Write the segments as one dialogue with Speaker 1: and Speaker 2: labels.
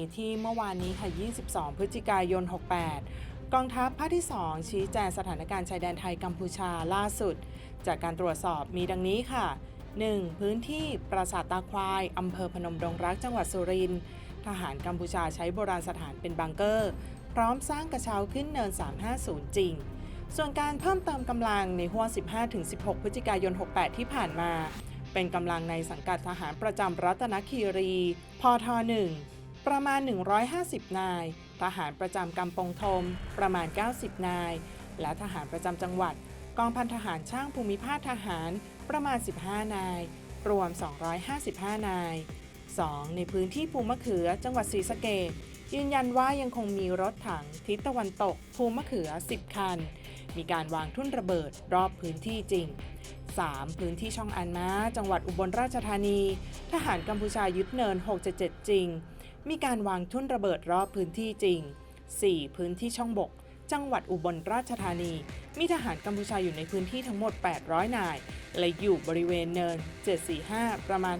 Speaker 1: ที่เมื่อวานนี้ค่ะ 22 พฤศจิกายน 68 กองทัพภาคที่ 2 ชี้แจงสถานการณ์ชายแดนไทยกัมพูชาล่าสุด จากการตรวจสอบมีดังนี้ค่ะ 1. พื้นที่ปราสาทตาควายอำเภอพนมดงรักจังหวัดสุรินทร์ทหารกัมพูชาใช้โบราณสถานเป็นบังเกอร์ พร้อมสร้างกระเช้าขึ้นเนิน 350 จริง ส่วนการเพิ่มเติมกำลังในห้วง 15-16 พฤศจิกายน 68 ที่ผ่านมา เป็นกำลังในสังกัดทหารประจำรัตนคีรีพท1ประมาณ 150 นาย ทหารประจำกำปงธมประมาณ 90 นาย และทหารประจำจังหวัดกองพันทหารช่างภูมิภาคทหารประมาณ 15 นาย รวม 255 นาย 2. ในพื้นที่ภูมะเขือจังหวัดศรีสะเกษยืนยันว่ายังคงมีรถถังทิศตะวันตกภูมะเขือ 10 คัน มีการวางทุ่นระเบิดรอบพื้นที่จริง 3. พื้นที่ช่องอันม้าจังหวัดอุบลราชธานีทหารกัมพูชายึดเนิน 677 จริง มีการวางทุ่นระเบิดรอบพื้นที่จริง 4. พื้นที่ช่องบกจังหวัดอุบลราชธานีมีทหารกัมพูชาอยู่ในพื้นที่ทั้งหมด 800 นาย และอยู่บริเวณเนิน 745 ประมาณ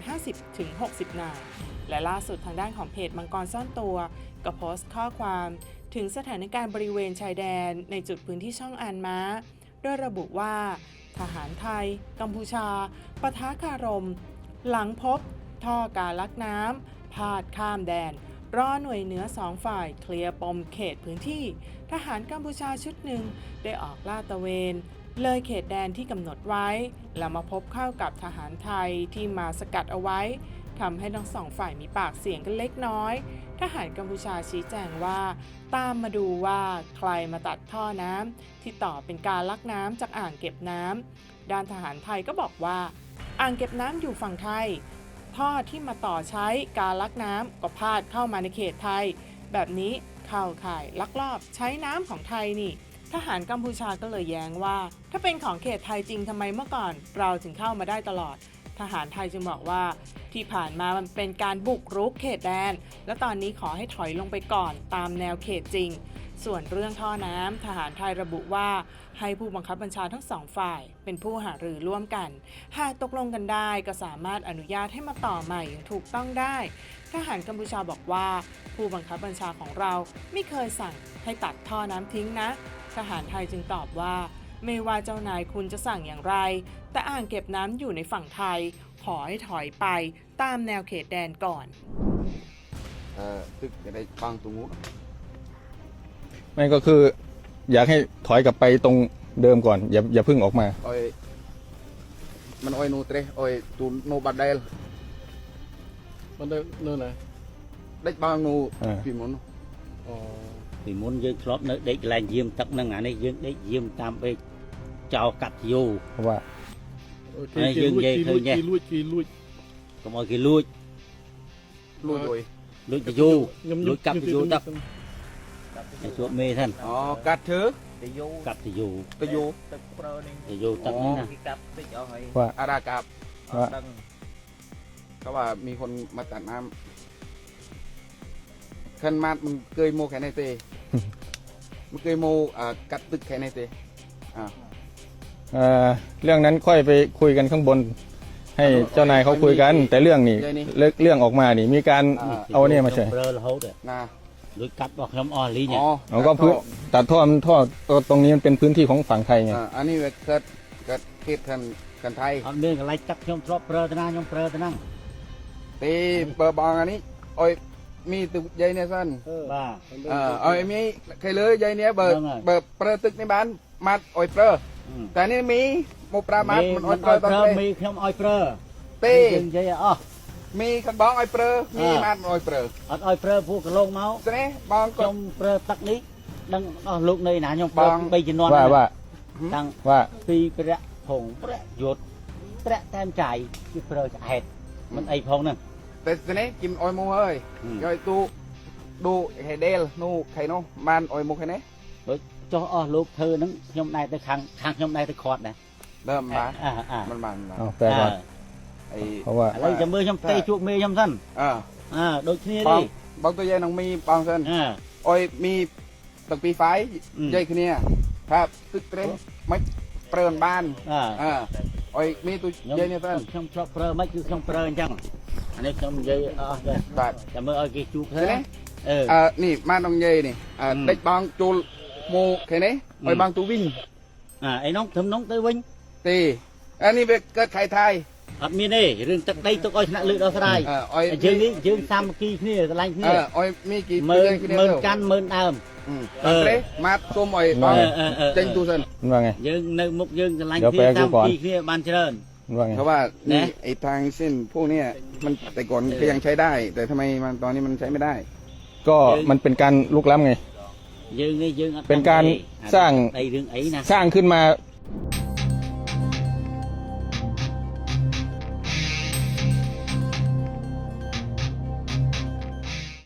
Speaker 1: 50-60 นาย และล่าสุดทางด้านของเพจมังกรซ่อนตัวก็โพสต์ข้อความถึงสถานการณ์บริเวณชายแดนในจุดพื้นที่ช่องอันม้าโดยระบุว่าทหารไทยกัมพูชาปะทะคารมหลังพบท่อการลักน้ำพาดข้ามแดนรอหน่วยเหนือ2ฝ่ายเคลียร์ปมเขตพื้นที่ทหารกัมพูชาชุดหนึ่งได้ออกลาดตระเวนเลยเขตแดนที่กำหนดไว้แล้วมาพบเข้ากับทหารไทยที่มาสกัดเอาไว้ทำให้ทั้งสองฝ่ายมีปากเสียงกันเล็กน้อยทหารกัมพูชาชี้แจงว่าตามมาดูว่าใครมาตัดท่อน้ำที่ต่อเป็นการลักน้ำจากอ่างเก็บน้ำด้านทหารไทยก็บอกว่าอ่างเก็บน้ำอยู่ฝั่งไทยท่อที่มาต่อใช้การลักน้ำก็พาดเข้ามาในเขตไทยแบบนี้เข้าข่ายลักลอบใช้น้ำของไทยนี่ทหารกัมพูชาก็เลยแย้งว่าถ้าเป็นของเขตไทยจริงทำไมเมื่อก่อนเราถึงเข้ามาได้ตลอดทหารไทยจึงบอกว่าที่ผ่านมามันเป็นการบุกรุกเขตแดนและตอนนี้ขอให้ถอยลงไปก่อนตามแนวเขตจริงส่วนเรื่องท่อน้ำทหารไทยระบุว่าให้ผู้บังคับบัญชาทั้งสองฝ่ายเป็นผู้หารือร่วมกันหากตกลงกันได้ก็สามารถอนุญาตให้มาต่อใหม่อย่างถูกต้องได้ทหารกัมพูชาบอกว่าผู้บังคับบัญชาของเราไม่เคยสั่งให้ตัดท่อน้ำทิ้งนะทหารไทยจึงตอบว่าไม่ว่าเจ้านายคุณจะสั่งอย่างไรแต่อ่างเก็บน้ำอยู่ในฝั่งไทยขอให้ถอยไปตามแนวเขตแดนก่อน
Speaker 2: ตึกจะได้ฟังตรงนู้น
Speaker 3: ไม่ก็คืออยากให้ถอยกลับไปตรงเดิมก่อนอย่าเพิ่งออกมา
Speaker 2: อ้อยมันอ้อยนูเตะอ้อยตูนูบัดเดล
Speaker 4: มันได้เนื้อไหน
Speaker 2: ได้บางนูปีมุน
Speaker 5: ปีมุนยืนครบเนื้อเด็กแรงยืมตักนั่งอันนี้ยืมได้ยืมตามไปเจ้ากัดอยู่
Speaker 3: เพราะว่า
Speaker 4: ยืมยัยเคยเนี่ยลุย
Speaker 5: ก็มองกี่ลุยจะอยู่ลุยกลับจะอยู่ตักในช่วงเมท่าน
Speaker 2: อ๋อกัดเถอะ
Speaker 5: กัดจะอยู่
Speaker 2: จะอยู่
Speaker 5: ตักนี่นะ
Speaker 3: ว่า
Speaker 2: อารากับเขาว่ามีคนมาตัดน้ำขันมามึงเคยโมแค่ไหนเตะมึงเคยโมกัดตึกแค่ไหนเตะ
Speaker 3: เรื่องนั้นค่อยไปคุยกันข้างบนให้เจ้านายเขาคุยกันแต่เรื่องนี้เรื่องออกมานี่มีการเอาเนี่ยมาใช่
Speaker 5: ลุยกัดบอกน้ำอ่อนลีเนี่ย
Speaker 3: เราก็พื้นตัดท่อตรงนี้มันเป็นพื้นที่ของฝั่งไทยไง
Speaker 2: อันนี้เกิดเขตกันไทย
Speaker 5: เอาเรื่องอะไรจับยมทรอบเปรตนะยมเปรตนั่ง
Speaker 2: ตีเปิดบองอันนี้อ้อยมีตึกใหญ่เนี่ยสั้นอ้อยมีใครเลยใหญ่เนี่ยเบิดเปรตึกในบ้านมัดอ้อยเปรแต่นี่มีโมปรามัดมันอ้อยเปรต
Speaker 5: มีขนมอ้อยเปร
Speaker 2: ตี
Speaker 5: ใช่อ๋อ
Speaker 2: มีขันบ้องอ้อยเปรมีมัดอ้อยเปร
Speaker 5: อ้อยเปรพูกระลงเมา
Speaker 2: ใช่ไหมบ้อง
Speaker 5: ยมเปรตักนี้ดังลูกในหนายมเปรไปจีนอน
Speaker 3: ตั้งว่า
Speaker 5: ปีเปรผงเปรหยดเปรแต้มใจที่เปรจะเห็ดมันไอพงนั่น
Speaker 2: แต่ใช่ไหมกินอ้อยมูเฮ้ยย่อยตูดูไข่เดลนูไข่โนมันอ้อยมูไข่เนี้ย
Speaker 5: choลูกเธอนั้นยมนายแต่คางยมนายแต่คอดนะ
Speaker 2: เริ่มมามัน
Speaker 3: แปลว่าเพราะว่า
Speaker 5: อะไรจะมือยมเตะจุกมือยมสั้นโดยที่นี่
Speaker 2: บางตัวใหญ่น้องมีบางเส้นอ้อยมีตั้งปีไฟใหญ่ขึ้นเนี่ยครับตึกเต็มไม่เปลือนบ้านอ้อยมีตัวใหญ่เนี่ยเส้น
Speaker 5: ช่องชอบเปลือนไม่คือช่องเปลือนจังอันนี้ช่องใหญ่แบบจะมืออ้อยกี่จุกเท่า
Speaker 2: ไหร่นี่มาตรงเยนี่เด็กบางจูโมแค่นี้ไอ้บางตูวิ่ง
Speaker 5: ไอ้น้องทำน้องเตยวิ่ง
Speaker 2: ตีอันนี้เป็นเกิดไข่ไทย
Speaker 5: อัดมีนี่เรื่องตักได้ตัวอ้อยชนะเลือดเอาได้ยืนนี้ยืนซ้ำกี่นี่อะไรนี่
Speaker 2: ไอ้มีกี่
Speaker 5: เมินกันเมินเดิม
Speaker 2: มาส้มไอ้บางเจงตูเซน
Speaker 3: มันว่าไง
Speaker 5: ยืนในมุกยืนอะไร
Speaker 3: เดี๋ยว
Speaker 5: ที่
Speaker 3: แปลกูก่อน
Speaker 5: ซ้ำกี่นี่บานเจริญ
Speaker 3: มันว่าไง
Speaker 2: เพราะว่านี่ไอ้ทางเส้นพวกเนี้ยมันแต่ก่อนก็ยังใช้ได้ แต่ทำไมมันตอนนี้มันใช้ไม่ได้
Speaker 3: ก็มันเป็นการลุกล้ำไง
Speaker 5: ยืนนี่ยืน
Speaker 3: เป็นการสร้าง
Speaker 5: ไอ้เรื่องไอ้นะ
Speaker 3: สร้างขึ้นมา